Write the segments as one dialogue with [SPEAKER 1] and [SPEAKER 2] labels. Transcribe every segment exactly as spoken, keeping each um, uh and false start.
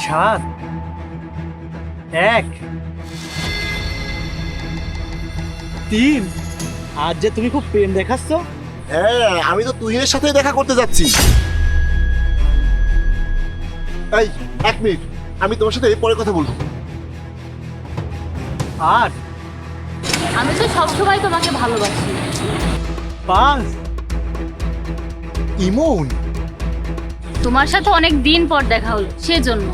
[SPEAKER 1] সাত এক তিন। আজ যে তুমি খুব প্রেম দেখাচ্ছ।
[SPEAKER 2] হ্যাঁ, আমি তো তুহিনের সাথে দেখা করতে যাচ্ছি। এই এক মিনিট, আমি তোমার সাথে পরে কথা বলবো।
[SPEAKER 1] আট
[SPEAKER 3] আমি তো সবসময় তোমাকে ভালোবাসি।
[SPEAKER 1] পাঁচ।
[SPEAKER 2] ইমন,
[SPEAKER 3] তোমার সাথে অনেক দিন পর দেখা হলো সেজন্য।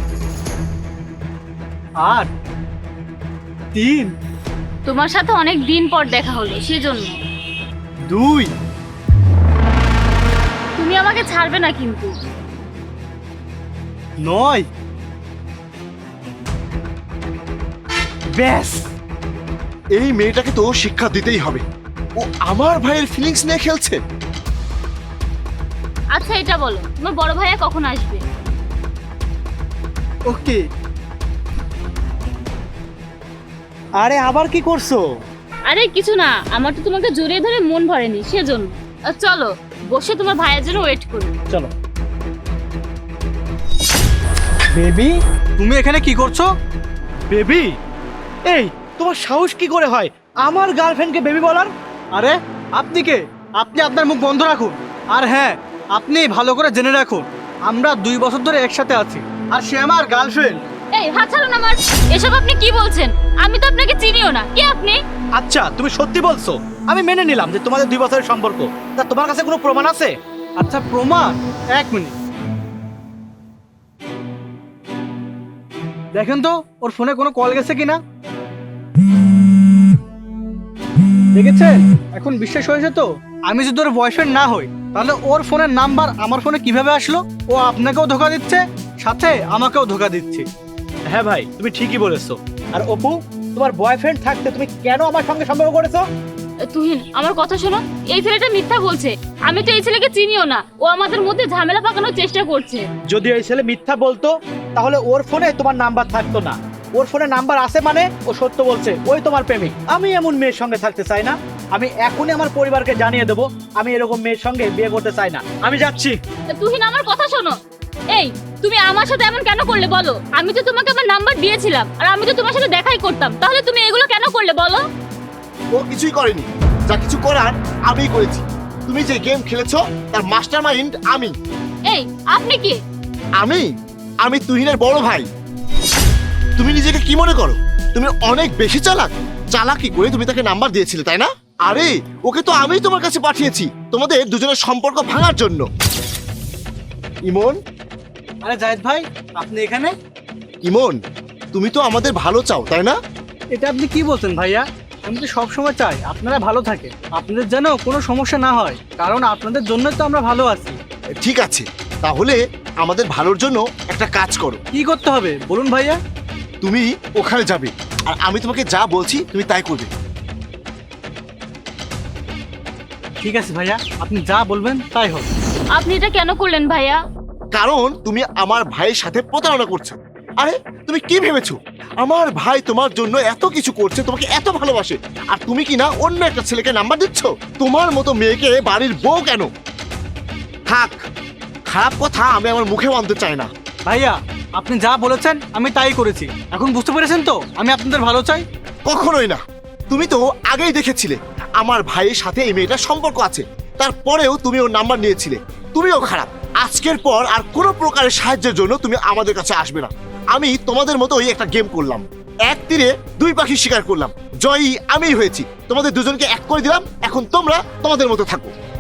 [SPEAKER 1] আট তিন
[SPEAKER 3] তোমার সাথে অনেক দিন পর দেখা হলো সেজন্য।
[SPEAKER 1] দুই।
[SPEAKER 3] তুমি আমাকে ছাড়বে না কিন্তু।
[SPEAKER 1] নয়। ব্যাস,
[SPEAKER 2] এই মেয়েটাকে তো শিক্ষা দিতেই হবে। ও আমার ভাইয়ের ফিলিংস নিয়ে খেলছে।
[SPEAKER 3] আচ্ছা এটা বলো, তোমার বড় ভাইয়া কখন আসবে?
[SPEAKER 1] ওকে। আরে আবার কি করছো?
[SPEAKER 3] আরে কিছু না, আমার তো তোমাকে জড়িয়ে ধরে মন ভরেনি সেজন্য। আহ, চলো বসে তোমার ভাইয়ের জন্য ওয়েট করি।
[SPEAKER 1] চলো। বেবি, তুমি এখানে কি করছো? বেবি? এই তোমার সাহস কি করে হয় আমার গার্লফ্রেন্ডকে বেবি বলার? আরে আপনি কে? আপনি আপনার মুখ বন্ধ রাখুন। আর হ্যাঁ, আপনি ভালো করে জেনে রাখুন, আমরা দুই বছর ধরে একসাথে আছি, আর সে আমার গার্লফ্রেন্ড।
[SPEAKER 3] এই হাত ছাড়ুন আমার। এসব আপনি কি বলছেন? আমি তো আপনাকে চিনিও না। কে আপনি?
[SPEAKER 1] আচ্ছা তুমি সত্যি বলছো, আমি মেনে নিলাম যে তোমাদের দুই বছরের সম্পর্ক। তা তোমার কাছে কোনো প্রমাণ আছে? আচ্ছা প্রমাণ? এক মিনিট দেখেন তো ওর ফোনে কোনো কল গেছে কিনা। দেখেছেন? এখন বিশ্বাস হয়েছে তো? আমি যদি ওর বয়ফ্রেন্ড না হই তাহলে ওর ফোনের নাম্বার আমার ফোনে কিভাবে আসলো? ও আপনাকেও ধোকা দিচ্ছে, সাথে আমাকেও ধোকা দিচ্ছে। হ্যাঁ ভাই, তুমি ঠিকই বলেছো। আর অপু, তোমার বয়ফ্রেন্ড থাকতে তুমি কেন আমার সঙ্গে সম্পর্ক করেছো?
[SPEAKER 3] তুহিন আমার কথা শোনো, এই ছেলেটা মিথ্যা বলছে। আমি তো এই ছেলেকে চিনিও না। ও আমাদের মধ্যে ঝামেলা পাকানোর চেষ্টা করছে।
[SPEAKER 1] যদি এই ছেলে মিথ্যা বলতো তাহলে ওর ফোনে তোমার নাম্বার থাকতো না। ওর ফোনে নাম্বার আছে মানে ও সত্য বলছে, ওই তোমার প্রেমিক। আমি এমন মেয়ের সঙ্গে থাকতে চাই না। আমি এখনই আমার পরিবারকে জানিয়ে দেবো আমি এরকম মেয়ের সঙ্গে বিয়ে করতে চাই না। আমি যাচ্ছি।
[SPEAKER 3] তুহিন আমার কথা শোনো। এই তুমি আমার সাথে এমন কেন করলে বলো? আমি তো তোমাকে আমার নাম্বার দিয়েছিলাম, আর আমি তো তোমার সাথে দেখাই করতাম। তাহলে তুমি এগুলো কেন করলে বলো?
[SPEAKER 2] ও কিছুই করেনি, যা কিছু করার আমিই করেছি। তুমি যে গেম খেলেছো তার মাস্টার মাইন্ড আমি।
[SPEAKER 3] এই আপনি কি?
[SPEAKER 2] আমি আমি তুহিনের বড় ভাই। তুমি নিজেকে কি মনে করো? তুমি অনেক বেশি চালাক। চালাকি করে তুমি তাকে নাম্বার দিয়েছিলে, তাই না? আরে ওকে তো আমিই তোমার কাছে পাঠিয়েছি তোমাদের দুজনের সম্পর্ক ভাঙার জন্য। ইমন,
[SPEAKER 1] আরে জায়েদ ভাই, আপনি এখানে?
[SPEAKER 2] ইমন, তুমি তো আমাদের ভালো চাও, তাই না?
[SPEAKER 1] এটা আপনি কি বলছেন ভাইয়া? আমি তো সবসময় চাই আপনারা ভালো থাকে, আপনাদের যেন কোনো সমস্যা না হয়, কারণ আপনাদের জন্যই তো আমরা ভালো আছি।
[SPEAKER 2] ঠিক আছে, তাহলে আমাদের ভালোর জন্য একটা কাজ করো।
[SPEAKER 1] কি করতে হবে বলুন ভাইয়া?
[SPEAKER 2] তুমি ওখানে যাবে, আর আমি তোমাকে যা বলছি তুমি তাই করবে।
[SPEAKER 1] ঠিক আছে ভাইয়া, আপনি যা বলবেন তাই হবে।
[SPEAKER 3] আপনি এটা কেন করলেন ভাইয়া?
[SPEAKER 2] কারণ তুমি আমার ভাইয়ের সাথে প্রতারণা করছো। আরে তুমি কি ভেবেছো আমার ভাই তোমার জন্য এত কিছু করছে, তোমাকে এত ভালোবাসে, আর তুমি কি না অন্য একটা ছেলেকে নাম্বার দিচ্ছ? তোমার মতো মেয়েকে বাড়ির বউ কেন? থাক, খারাপ কথা আমি আমার মুখে আনতে চাই না।
[SPEAKER 1] ভাইয়া আপনি যা বলেছেন আমি তাই করেছি। এখন বুঝতে পেরেছেন তো আমি আপনাদের ভালো চাই?
[SPEAKER 2] কখনোই না। তুমি তো আগেই দেখেছিলে আমার ভাইয়ের সাথে এই মেয়েটার সম্পর্ক আছে, তারপরেও তুমি ওর নাম্বার নিয়েছিলে। তুমিও খারাপ। আজকের পর আর কোনো প্রকারের সাহায্যের জন্য তুমি আমাদের কাছে আসবে না। আমি তোমাদের মতোই একটা গেম করলাম, এক তীরে দুই পাখি শিকার করলাম। জয়ী আমিই হয়েছি, তোমাদের দুজনকে এক করে দিলাম। এখন তোমরা তোমাদের মতো থাকো।